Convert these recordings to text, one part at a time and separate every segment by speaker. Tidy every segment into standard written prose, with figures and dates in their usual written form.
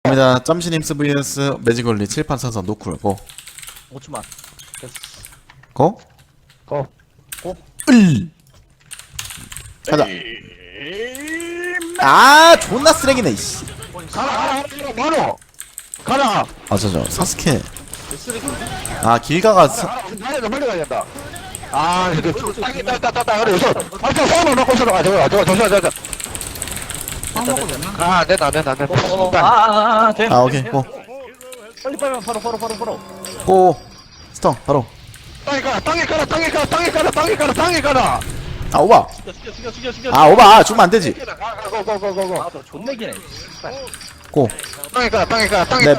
Speaker 1: 갑니다. 짬시님스 vs 매직올리 7판 선선 노쿨 고
Speaker 2: 5초만. 됐어.
Speaker 1: 고?
Speaker 2: 고.
Speaker 1: 을 가자. 아 존나 쓰레기네 이씨.
Speaker 3: 가라 바로 가라.
Speaker 1: 아 저 사스케. 아 길가가
Speaker 3: 빨리 가야 된다. 아 이거 땅이 따따따따 그래 우선 앞서 손을 놓고 서로 가 저거 조심하자. 아 됐다 돼.
Speaker 2: 돼.
Speaker 1: 아 오케이 고.
Speaker 2: 빨리 빨리 바로.
Speaker 1: 고 스턴 바로.
Speaker 3: 땅에 가라.
Speaker 1: 아 오바.
Speaker 2: 죽여.
Speaker 1: 아 오바 죽으면 안 되지.
Speaker 3: 고고고고고.
Speaker 2: 아, 저 존내기네.
Speaker 1: 고.
Speaker 3: 땅에 가라. 땅에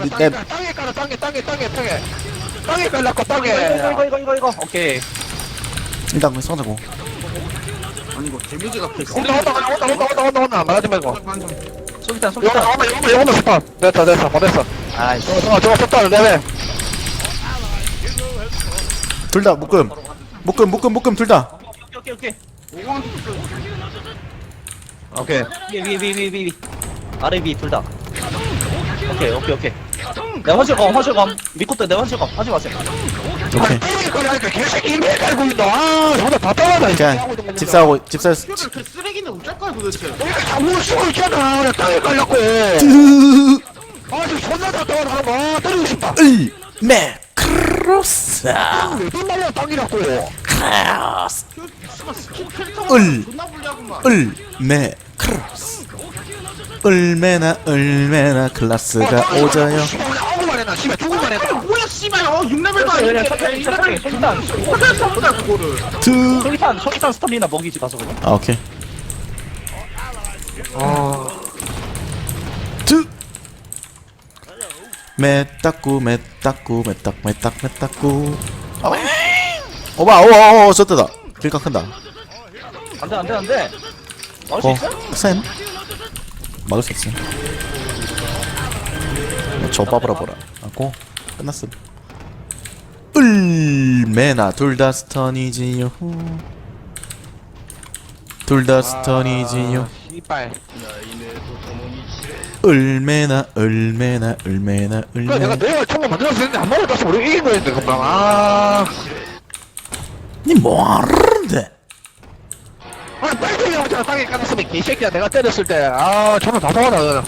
Speaker 3: 갈라고 땅에.
Speaker 2: 이거. 오케이.
Speaker 1: 일단 그 성자고.
Speaker 4: 아니 이거 데미지가
Speaker 3: 온다 말하지 말고.
Speaker 2: 소기탄.
Speaker 3: 요거는 스탑. 됐어 보냈어.
Speaker 2: 아이씨.
Speaker 3: 저거 스탑을 내래.
Speaker 1: 둘 다 묶음 둘 다.
Speaker 2: 오케이.
Speaker 3: 오케이.
Speaker 2: 위. 아래 위 둘 다. 오케이. 내 화실검. 미코트 내 화실검. 하지 마세요.
Speaker 1: 오케이.
Speaker 3: 그러니까 개새끼 이메일 깔고 있노. 아 저거 답답하다.
Speaker 1: 그냥 집사하고
Speaker 4: 그 쓰레기는 어쩔 거야 도대체.
Speaker 3: 아무 쓰고 있잖아. 그냥 땅에 깔라고. 아주 존나 답답하다. 뭐 때리고 싶다.
Speaker 1: 매크로스
Speaker 3: 왜 말이야 땅이라고.
Speaker 1: 크로스
Speaker 4: 스킬 캐릭터
Speaker 1: 을.
Speaker 4: 존나 불리하구만.
Speaker 1: 매크로스 얼마나 클라스가 오져요.
Speaker 3: 아무만 해놔. 씨발 죽을만 해놔.
Speaker 4: 뭐야 씨발 6레벨도
Speaker 2: 그냥
Speaker 4: 아니고
Speaker 2: 천천히. 소기탄.
Speaker 4: 못할 그거를.
Speaker 2: 소기탄 스탑이나 먹이지 가서 그냥.
Speaker 1: 아 오케이. 메따꾸 오바 저때다. 길가 큰다.
Speaker 2: 안돼. 막을 수 있어?
Speaker 1: 쌤 막을 수 있어. 저 빠버려 보라. 하고 끝났음. 얼마나 둘 다 스턴이지요. 둘 다 스턴이지요.
Speaker 3: 씨발.
Speaker 1: 얼마나
Speaker 3: 내가 총을 만들었는데 한 번에 다시 우리 이긴 거였는데 금방. 아.
Speaker 1: 니 뭐하는데?
Speaker 3: 아니 빨리 형처럼 땅에 깔았으면 개새끼야. 내가 때렸을 때. 아 저는 답답하다.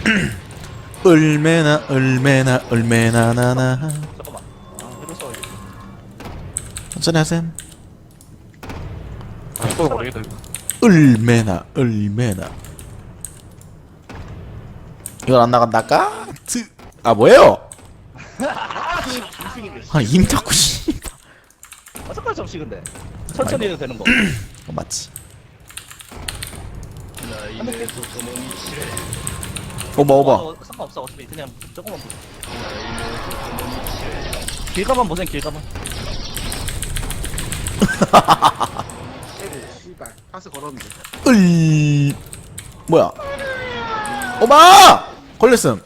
Speaker 1: 얼마나 나나.
Speaker 2: 잠깐만. 해봤어.
Speaker 1: 천천히 하셈.
Speaker 3: 아 이거 모르겠다.
Speaker 1: 얼마나 이건 안 나간다까? 아 뭐예요? 아 임자꾸 씨.
Speaker 2: 어떡할 수 없이 근데. 천천히 해도 되는 거.
Speaker 1: 맞지. 오바.
Speaker 2: 상관없어. 어차피 그냥 조금만 보자. 길가만 보세요. 길가만.
Speaker 4: 씨발 파스 걸었는데.
Speaker 1: 뭐야? 오바 걸렸음.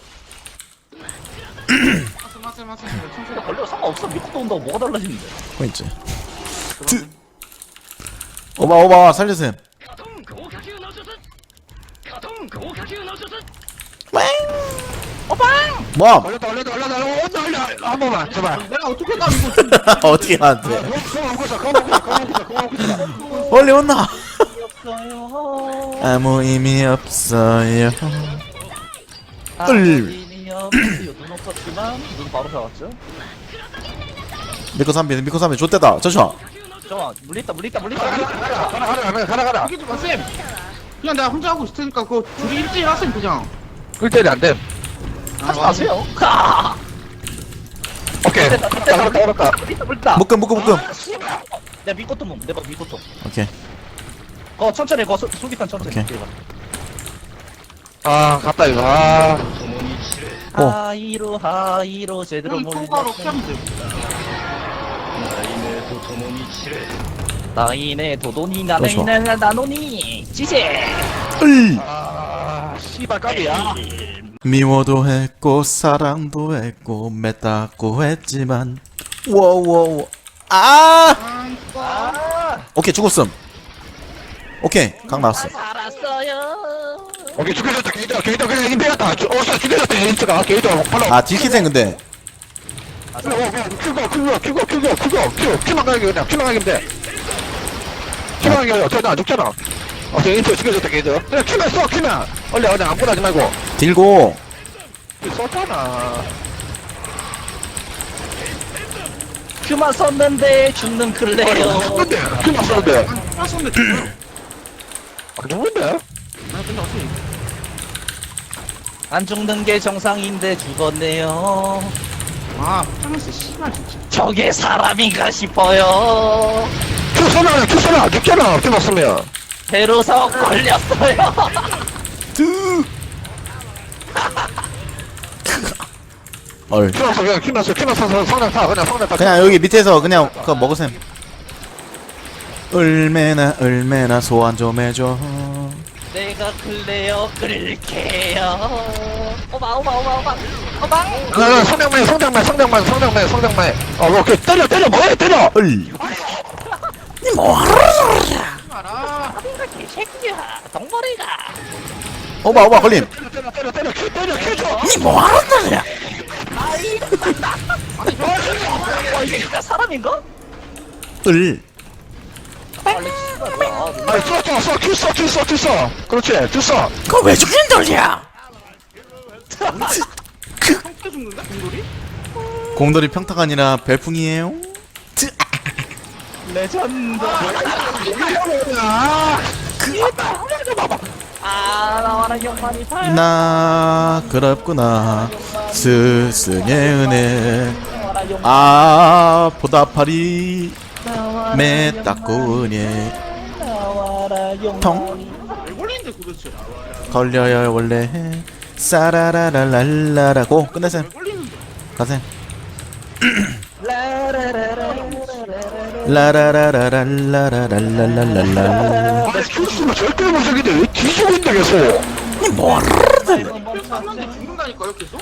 Speaker 4: 마세.
Speaker 2: 근데 걸려 상관없어. 미코도 온다고 뭐가 달라지는데.
Speaker 1: 포인트. 오바 살려셈. 뭐?
Speaker 3: 올렸다. 올려. 한 번만 제발.
Speaker 4: 내가 어떻게 가 이거.
Speaker 1: 어떻게 하는데?
Speaker 3: 그거
Speaker 1: 원래 온나?
Speaker 2: 없어요.
Speaker 1: 아무 의미 없어요.
Speaker 2: 의미 없어요. 눈 없었지만 눈 바로 잡았죠.
Speaker 1: 미코 3비 좆대다. 잠시만.
Speaker 2: 잠깐만. 물리있다.
Speaker 3: 가라.
Speaker 4: 이게 좀 마세. 그냥 내가 혼자 하고 있을 테니까 그거 둘이 1대1 하세요 그냥.
Speaker 3: 1대1이 안 돼.
Speaker 2: 하지 마세요. 가.
Speaker 3: 오케이. 알았다.
Speaker 2: 물리있다.
Speaker 1: 묶음.
Speaker 2: 내가 미코토 몸. 내가 미코토.
Speaker 1: 오케이.
Speaker 2: 천천히. 소기탄 천천히.
Speaker 1: 오케이.
Speaker 2: 길가.
Speaker 3: 아 갔다 이거. 아.
Speaker 2: 하이로 제대로
Speaker 4: 형
Speaker 2: 몰리.
Speaker 4: 통과로 피하면 돼.
Speaker 2: 나이네 도도니
Speaker 1: 그렇죠.
Speaker 2: 나노니 지제.
Speaker 3: 아 씨발 깝이야.
Speaker 1: 미워도 했고 사랑도 했고 맺다고 했지만 워워워
Speaker 2: 아
Speaker 1: 오케이 죽었음. 오케이 각 나왔어.
Speaker 2: 살았어요.
Speaker 3: 오케이, 죽여줬다, 게이터, 그냥 힘 빼갔다. 어서 죽여줬다, 게이트가. 게이터, 빨라.
Speaker 1: 아 딜키생 근데
Speaker 3: 큐만 가게 그냥 큐만 가게 돼. 큐만 가게 어차피 나안 죽잖아. 게이트 죽여줬다, 게이트. 그냥 큐만 써, 큐만. 원래 그냥 아무거나 하지 말고.
Speaker 1: 딜고
Speaker 3: 썼잖아.
Speaker 2: 큐만 썼는데 죽는 클레어.
Speaker 3: 썼는데, 큐만 썼는데.
Speaker 4: 아 손대 죽어.
Speaker 3: 안 죽는데?
Speaker 4: 아 근데 어떻게
Speaker 2: 안 죽는 게 정상인데 죽었네요.
Speaker 4: 아 프랑스 씨발 진짜.
Speaker 2: 저게 사람인가 싶어요.
Speaker 3: 큐 써라, 안 죽잖아, 큐만 쓰면.
Speaker 2: 배로서 걸렸어요.
Speaker 1: 얼
Speaker 3: 큐만 써, 그냥 큐만 써서 성장 타, 그냥 성장 타.
Speaker 1: 그냥 여기 밑에서 그냥 그거 먹으셈 얼마나 소환 좀 해줘
Speaker 2: 내가 클레어 끌게요. 오마.
Speaker 3: 성장만. 오케이, 때려, 뭐해, 때려!
Speaker 1: 얼
Speaker 4: 알아.
Speaker 2: 개새끼야. 동물이가.
Speaker 1: 오바 걸림
Speaker 3: 때려, 큐 줘!
Speaker 2: 이게 진짜 사람인가?
Speaker 1: 얼
Speaker 2: 빨리 씨발.
Speaker 3: 아니, 써, 큐 써. 그렇지, 큐 써.
Speaker 1: 그거 왜 죽는 돌이야
Speaker 4: 평타 죽는다 공돌이?
Speaker 1: 공돌이 평타가 아니라 별풍이에요
Speaker 2: 레전드.
Speaker 3: 아,
Speaker 2: 나와라 경만이 발.
Speaker 1: 나 그렇구나 스승의 은혜
Speaker 2: 나와라 용.
Speaker 1: 보다파리 메따꾸니
Speaker 2: 나와라 용.
Speaker 4: 왜 걸리는데 도대체?
Speaker 1: 걸려요 원래 싸라라랄랄라라고 끝내셈
Speaker 4: 왜 걸리는데?
Speaker 1: 가셈
Speaker 2: 라라라라라라라라라.
Speaker 1: 라라라라랄라라랄랄랄랄라
Speaker 3: 아니, 큐 쓰면 절대 못 죽이는데 왜 뒤지고 있냐, 계속.
Speaker 4: 쐈는데 죽는다니까요 계속?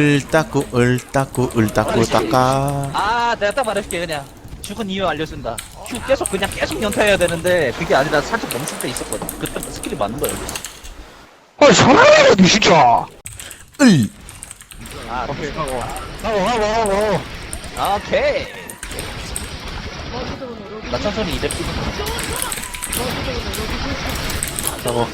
Speaker 1: 을따꾸 닦아
Speaker 2: 내가 딱 말해줄게 그냥. 죽은 이유 알려준다. 큐 계속 연타해야 되는데 그게 아니라 살짝 멈출 때 있었거든. 그때 스킬이 맞는 거야.
Speaker 3: 아니, 사람이야, 니 진짜.
Speaker 1: 을
Speaker 3: 오케이, 하고.
Speaker 2: 오케이. 나 천천히 200 찍은 거.
Speaker 1: 저거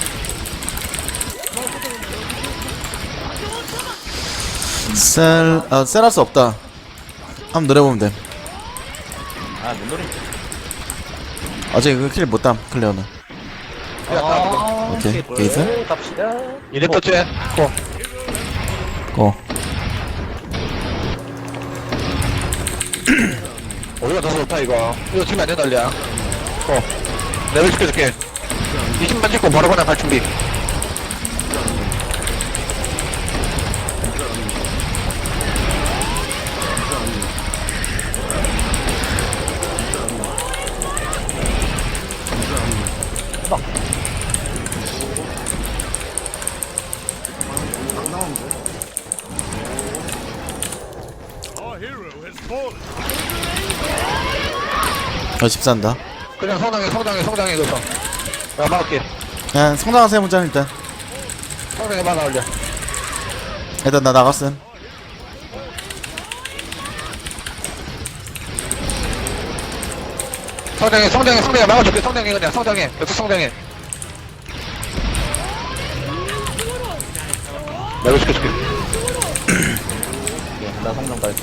Speaker 1: 셀할 없다 한번 노려보면 돼
Speaker 2: 뭔 노래?
Speaker 1: 어제 그 킬 못담 클레어는 오케이, 게이트?
Speaker 2: 갑시다.
Speaker 3: 이래 떴지?
Speaker 1: 고
Speaker 3: 우리가 더 좋다, 이거. 이거 지면 안 된다, 알리야. 내가 시켜줄게. 20만 찍고 바로 그냥 갈 준비.
Speaker 1: 집산다
Speaker 3: 그냥 성장해, 그래서. 야, 막을게.
Speaker 1: 그냥 성장하세요 문자 일단
Speaker 3: 성장해, 막아, 올려.
Speaker 1: 일단 나 나갔음
Speaker 3: 성장해, 막아줄게, 그냥, 성장해. 계속 성장해. 내가 시켜줄게.
Speaker 2: 나 성장 다 했어.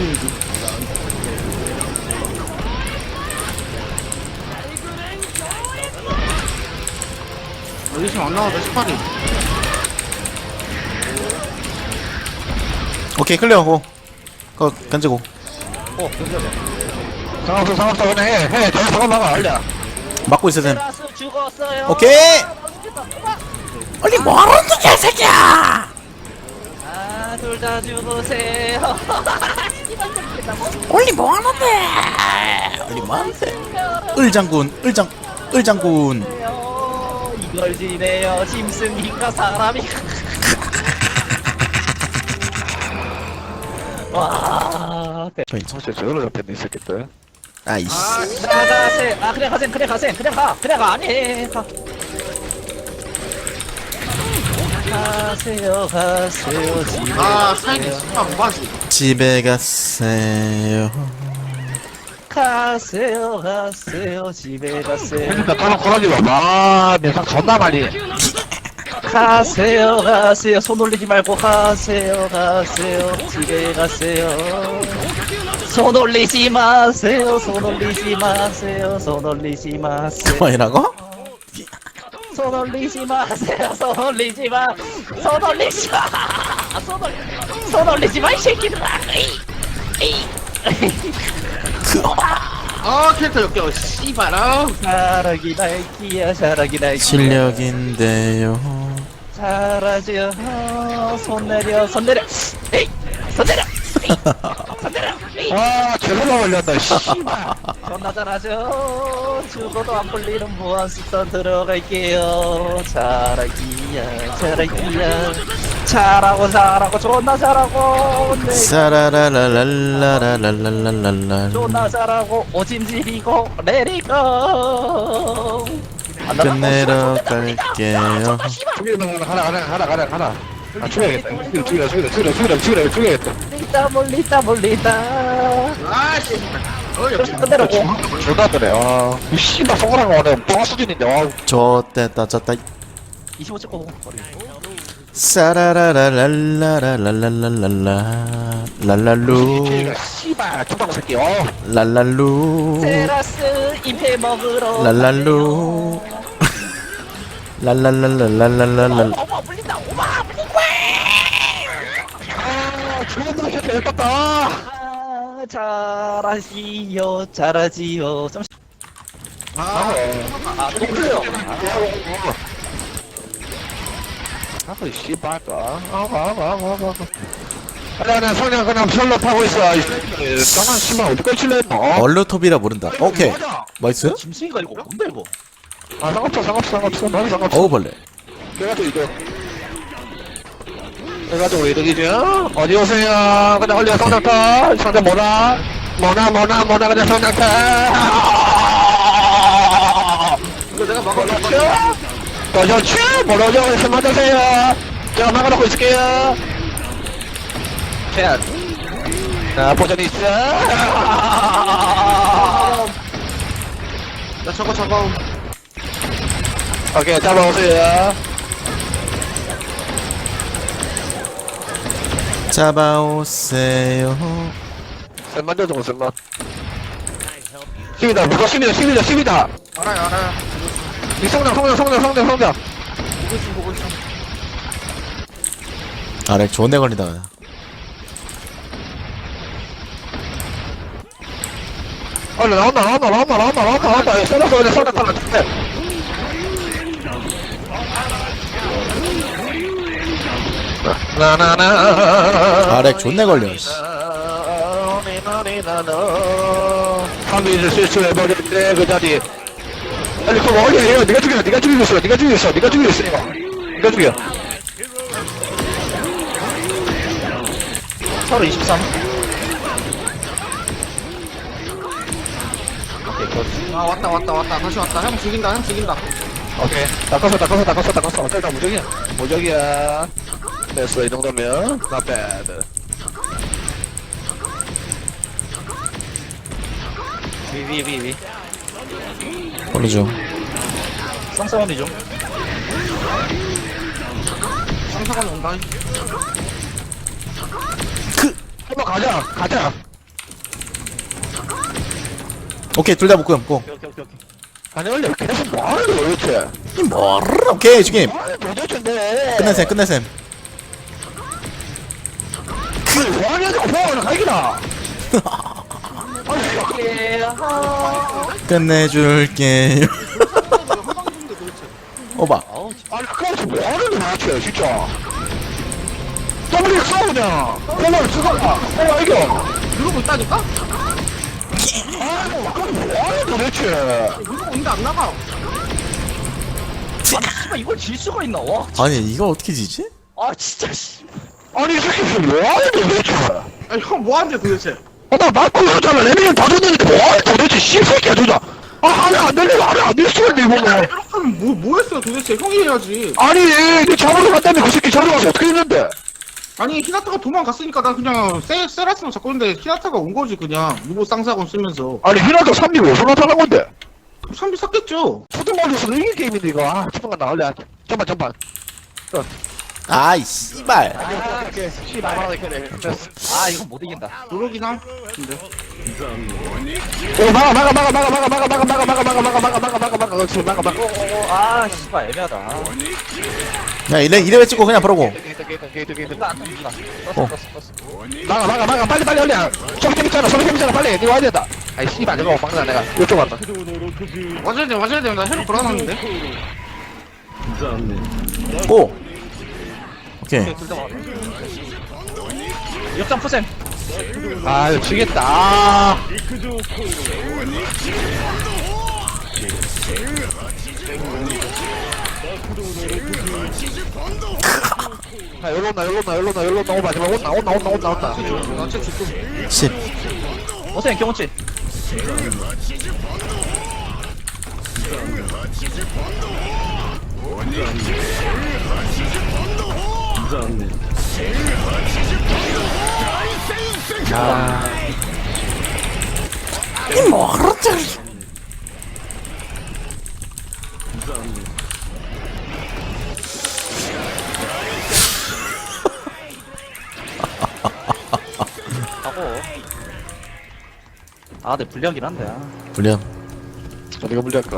Speaker 4: 여기 지금 안 나와도 18이.
Speaker 1: 오케이 클레어고 그거 던지고
Speaker 2: 괜찮아.
Speaker 3: 상관없어, 그냥 해. 저 상관 막아, 알려.
Speaker 1: 막고 있어 셈
Speaker 2: 테라스 죽었어요.
Speaker 1: 오케이 얼리 뭐하는 거야 개새끼야
Speaker 2: 둘 다 죽으세요.
Speaker 1: 얼리 뭐하는데 얼리 뭐하는데 을장군
Speaker 2: 이걸 지내요. 짐승인가 사람이. 와.
Speaker 3: 사실 저걸로 잡혔네, 이 새끼들.
Speaker 1: 아이씨
Speaker 2: 그냥 가셈. 그냥 가. 아니. 가. 가세요 가세요 집에
Speaker 4: 아 사이드 씨발 뭐하지?
Speaker 1: 집에 가세요.
Speaker 2: 가세요 가세요 집에 가세요
Speaker 3: 그러니까 다른 고라지 마. 내상 존나 많이.
Speaker 2: 가세요 가세요 손 올리지 말고 가세요 가세요 집에 가세요 손 올리지 마세요 손 올리지 마세요 손 올리지 마세요
Speaker 1: 그만이라고?
Speaker 2: 손 올리지 마세요 손 올리지 마 손 올리지 마 손 올리지 마 이 새끼들아 에이
Speaker 4: 아 캐릭터 역겨워 씨발아.
Speaker 2: 사랑이 날기야 사랑이 날기야
Speaker 1: 실력인데요.
Speaker 2: 잘하죠 손 내려 손 내려 에이 손 내려 에이 손 내려 에이
Speaker 3: 아, 제로가 걸렸다, 씨발.
Speaker 2: 존나 잘하죠 죽어도 안 풀리는 무한수선 들어갈게요 잘하기야 잘하기야 잘하고 잘하고 존나 잘하고 네.
Speaker 1: 사라라라라라라라라라.
Speaker 2: 존나 잘하고 오짐집이고 레리고
Speaker 1: 끝내러 갈게요.
Speaker 3: 죽이면 하나. 아, 죽여야겠다. 죽여야겠다.
Speaker 2: 몰리다 몰리다
Speaker 4: 아 씨발. 역시.
Speaker 2: 끝내라고
Speaker 3: 졸다 그래. 아, 이 씨발 성공한 거 오늘 뻥 수준인데. 아,
Speaker 1: 좋댔다 졌다.
Speaker 2: 25 찍고
Speaker 1: 사라라라라라라라라라라. 랄랄루.
Speaker 3: 씨발 두방 새끼. 어.
Speaker 1: 랄랄루.
Speaker 2: 테라스 임페 먹으러
Speaker 1: 랄랄루. 랄랄랄랄랄랄랄랄.
Speaker 2: 오마 물린다 오마 물린다
Speaker 3: 아, 존나 새끼 예뻤다.
Speaker 2: 아, 잘하지요 잘하지요 좀
Speaker 4: 아
Speaker 2: 똑같아요
Speaker 3: 아, 씨발. 아니, 성냥 그냥 솔로 타고 있어. 이 새끼. 떠난 씨발 어디까지 칠래 했노?
Speaker 1: 얼루톱이라 모른다. 오케이. 맛있어요?
Speaker 2: 짐승이가 이거 뭔데 이거
Speaker 3: 아, 상관없어. 나는 상관없어.
Speaker 1: 어우벌레.
Speaker 3: 그래가지고 이거. 그래가지고 이득이죠? 어디 오세요? 그냥 얼려 성냥 타. 성냥 뭐나 그냥 성냥 타.
Speaker 4: 이거 내가 막아놓고.
Speaker 3: 더 좋죠? 뭐라죠? 해서 맞으세요. 제가 막아놓고 있을게요. 자, 보전 있어.
Speaker 4: 나 저거.
Speaker 3: 오케이, 잡아오세요.
Speaker 1: 잡아오세요.
Speaker 3: 쌤만 줘, 쌤만. 10이다, 무거 10이다.
Speaker 4: 알아요.
Speaker 3: 이 성장.
Speaker 4: 보고 있어.
Speaker 1: 아래 좋은데 걸리다가.
Speaker 3: 나온다. 썰어서 그냥 성장 탈라. 나나나.
Speaker 1: 아래 좋네 걸려. 씨.
Speaker 3: 3일을 실수해버렸네, 그 자리. 아니, 그거 어디에요? 네가 죽여. 네가 죽여. 네가 죽여.
Speaker 2: 서로 23
Speaker 4: 아 왔다. 다시 왔다. 형 죽인다.
Speaker 3: 오케이. 다 껐어. 어차피 다 무적이야. 됐어, 이 정도면. Not bad.
Speaker 2: 위
Speaker 1: 걸리죠.
Speaker 2: 쌍쌍언니 좀
Speaker 4: 상사관 온다.
Speaker 3: 한번 가자.
Speaker 1: 오케이 둘 다 묶고.
Speaker 2: 오케이
Speaker 3: 아니, 원래 계속 뭐하는 거야, 도대체?
Speaker 1: 뭐를? 오케이 죽임.
Speaker 3: 도대체인데.
Speaker 1: 끝내셈.
Speaker 3: 뭐하냐고, 뭐하냐, 가기나.
Speaker 1: 끝내줄게요. 오바.
Speaker 3: 아니, 그거서 뭐하는데, 도대체, 진짜. 더블이 써, 그냥. 콜라를 쓰거나. 콜라 이겨.
Speaker 4: 누르고 있다니까?
Speaker 3: 아이고, 그럼 뭐하냐, 도대체.
Speaker 4: 누르고 있는데 안 나가.
Speaker 2: 씨발 이걸 질 수가 있나 와
Speaker 1: 아니 이거 어떻게 지지?
Speaker 2: 아 진짜 씨
Speaker 3: 아니, 이 새끼 뭐하냐, 도대체.
Speaker 4: 아니 형 뭐하는데 도대체?
Speaker 3: 나 맞고 이러잖아. 레벨을 다 줬는데 뭐하냐, 도대체. 씨새끼야, 진짜. 아, 안에 안 들리고, 안에 안 들리고, 이거 뭐.
Speaker 4: 그럼 뭐 했어요 도대체? 형이 해야지.
Speaker 3: 아니 니 잡으러 간다며 그 새끼 잡으러 가서 어떻게 했는데?
Speaker 4: 아니 히나타가 도망갔으니까 나 그냥 세라스만 잡고 있는데 히나타가 온 거지 그냥 무보 쌍사건 쓰면서.
Speaker 3: 아니 히나타 3리 왜 손나 타는 건데?
Speaker 4: 3비 샀겠죠.
Speaker 3: 초등학교에서는 이게 게임인데 이거. 아 초등학교 나올래. 전반.
Speaker 1: 아이 씨발.
Speaker 2: 아 이건 못 이긴다.
Speaker 4: 노력이긴 함. 근데
Speaker 3: 오 막아. 지금 막아.
Speaker 2: 아 씨발 애매하다.
Speaker 1: 야 이래 찍고 그냥 바로고.
Speaker 2: 이거 안 탑니다.
Speaker 1: 어.
Speaker 3: 막아. 빨리 올려. 소리 있잖아. 빨리. 니 와야 된다. 아이 씨발 내가 막나 내가. 이쪽 왔다.
Speaker 4: 맞아야 돼. 나 해로 걸어놨는데.
Speaker 1: 오. 오케이.
Speaker 2: 둘다 막아. 역장 푸셈.
Speaker 3: 아 이거 지겠다. 아. 아 열로 나 마지막 온나
Speaker 1: 10.
Speaker 2: 어셈 경호치. 하고. 아, 내 불리하긴 한데. 아.
Speaker 1: 불리함.
Speaker 3: 어디가 불리할까?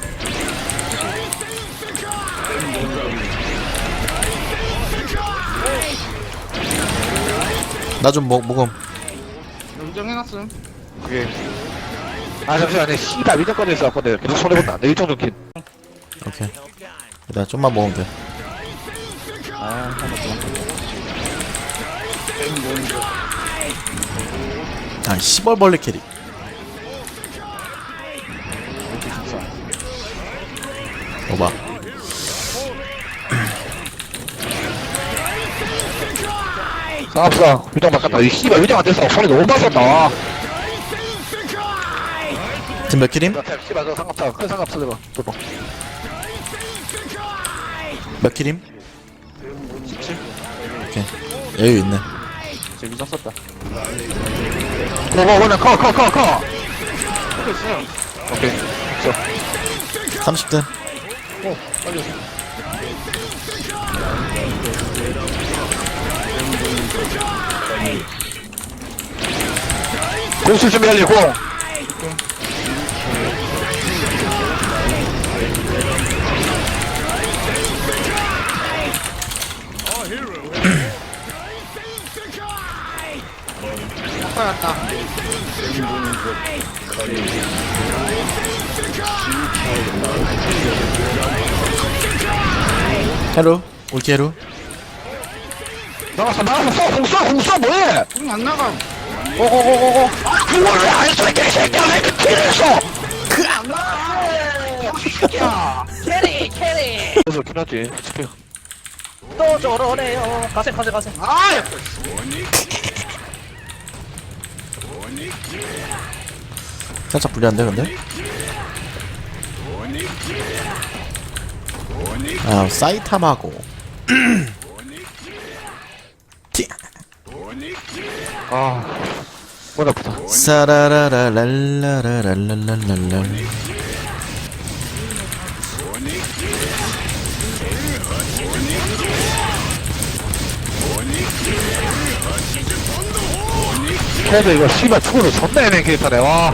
Speaker 1: 나 좀 먹음.
Speaker 4: 인정해놨음.
Speaker 3: 그게 아 잠시만 내 씨발 위정권에 있어갖고 내가 계속 손해본다. 내 일정 좀 긴.
Speaker 1: 오케이. 일단 좀만 먹으면 돼.
Speaker 2: 아,
Speaker 1: 아 시벌벌레 캐릭. 봐봐.
Speaker 3: 상관없어. 위정 바꿨다. 이 씨발 위정 안 됐어. 손이 너무 빠졌다.
Speaker 1: 지금 몇 킬임?
Speaker 3: 씨발 저 상관없어. 큰 상관없어 내가. 또.
Speaker 1: 몇 킬임?
Speaker 2: 17.
Speaker 1: 오케이. 여유 있네.
Speaker 2: 제 위장 썼다.
Speaker 3: 그냥 커.
Speaker 4: 하고 있어요.
Speaker 3: 오케이. 됐어.
Speaker 1: 30등.
Speaker 3: 공수 준비할래 공.
Speaker 4: 바꿔놨다.
Speaker 1: 헤루. 올게 헤루.
Speaker 3: 나갔어. 공수 뭐해?
Speaker 4: 안 나가.
Speaker 3: 고고고고고. 아 그걸 왜안 했어 이 개새끼야. 왜 이렇게 티를 했어?
Speaker 2: 캐리!
Speaker 3: 그래서 끝났지.
Speaker 2: 또 저러네요. 가세.
Speaker 4: 아, 야.
Speaker 1: 살짝 불리한데 근데? 아 사이타마고. 티.
Speaker 3: 아. 머리 아프다.
Speaker 1: 사라라라랄라라랄랄랄랄.
Speaker 3: 그래도 이거 씨발 축구를 존나 애매한 캐릭터네. 와.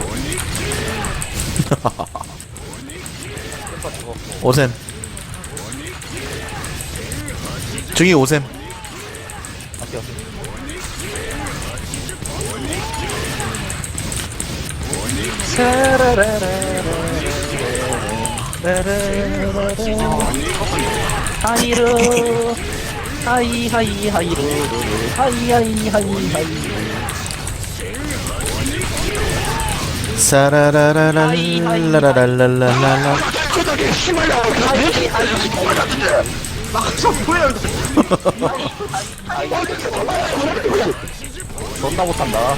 Speaker 1: 오셈. 저기 오셈.
Speaker 2: 하이루 하이루 하이
Speaker 1: 사라라라랄라라랄랄랄라.
Speaker 3: 그다게 씨발야.
Speaker 4: 나가서 뭐야?
Speaker 2: 존나 못한다.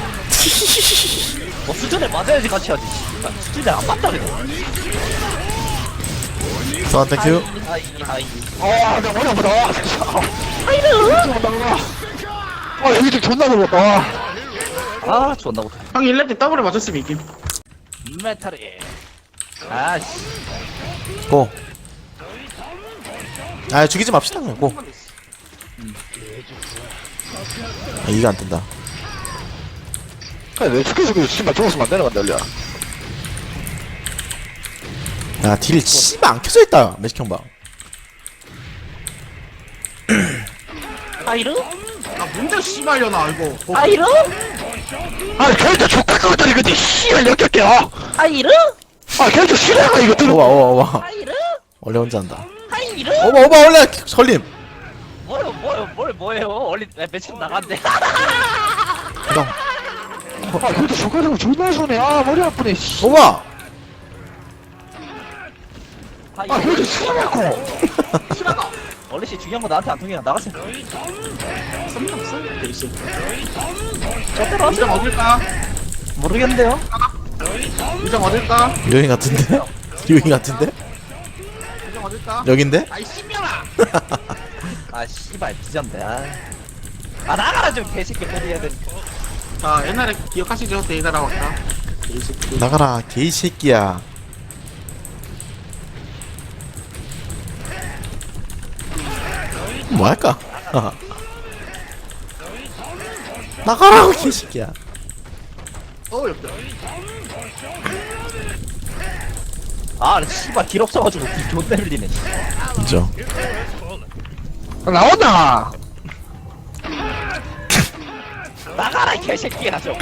Speaker 2: 수준에 맞아야지 같이 하지. 수준에 안 맞다 그냥.
Speaker 1: 선 땡큐.
Speaker 2: 하이.
Speaker 3: 나 머리 아프다. 아이고. 여기 좀 존나 무겁다.
Speaker 2: 아 존나 못해.
Speaker 4: 형 1렙 때 더블에 맞췄으면 이김.
Speaker 2: 메탈이. 아씨.
Speaker 1: 고. 아 죽이지 맙시다 그냥 고. 아, 이게 안 뜬다.
Speaker 3: 왜 죽여 씨발 죽었으면 안 되는 건데 원래.
Speaker 1: 야딜 씨발 안 켜져 있다 매직 형방.
Speaker 2: 아이르?
Speaker 4: 아 뭔데 씨발려나 이거.
Speaker 2: 아이르?
Speaker 3: 걔한테 족같거든 이거지. 씨발 역겹게.
Speaker 2: 아이르?
Speaker 3: 걔한테 싫어가 이거 들어.
Speaker 1: 오와
Speaker 2: 아이르?
Speaker 1: 원래 혼자 한다.
Speaker 2: 아이르?
Speaker 1: 오바 원래 설림.
Speaker 2: 뭐예요? 원래 매칭 나간대.
Speaker 1: 그럼
Speaker 3: 걔한테 족같은 거 존나 손해. 머리 아프네. 씨.
Speaker 1: 오바.
Speaker 3: 걔한테 싫어하고.
Speaker 2: 원래씨 중요한 거 나한테 안 통해. 나가세요.
Speaker 4: 대신.
Speaker 2: 저대로
Speaker 4: 유정
Speaker 2: 하세요.
Speaker 4: 어딜까?
Speaker 2: 모르겠는데요?
Speaker 4: 유정 어딜까?
Speaker 1: 유인 같은데? 유인 같은데?
Speaker 4: 유정 어딜까?
Speaker 1: 여긴데?
Speaker 4: 아이 씨발아.
Speaker 2: 아 씨발 뒤졌네. 아 나가라 좀 개새끼 소리해야 돼.
Speaker 4: 자 옛날에 기억하시죠? 데이다라 왔다. 개새끼.
Speaker 1: 나가라 개이 새끼야. 뭐 할까? 나가라 개이 새끼야.
Speaker 4: 옆에.
Speaker 2: 아 씨발 길 없어가지고 길 존나 흘리네.
Speaker 1: 그죠?
Speaker 3: 나온다.
Speaker 2: 나가라 이 개새끼야 좀.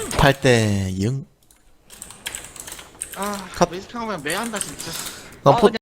Speaker 1: 8대 0.
Speaker 4: 아
Speaker 1: 컷.
Speaker 4: 매직 하면 매한다 진짜.
Speaker 1: 넌 포,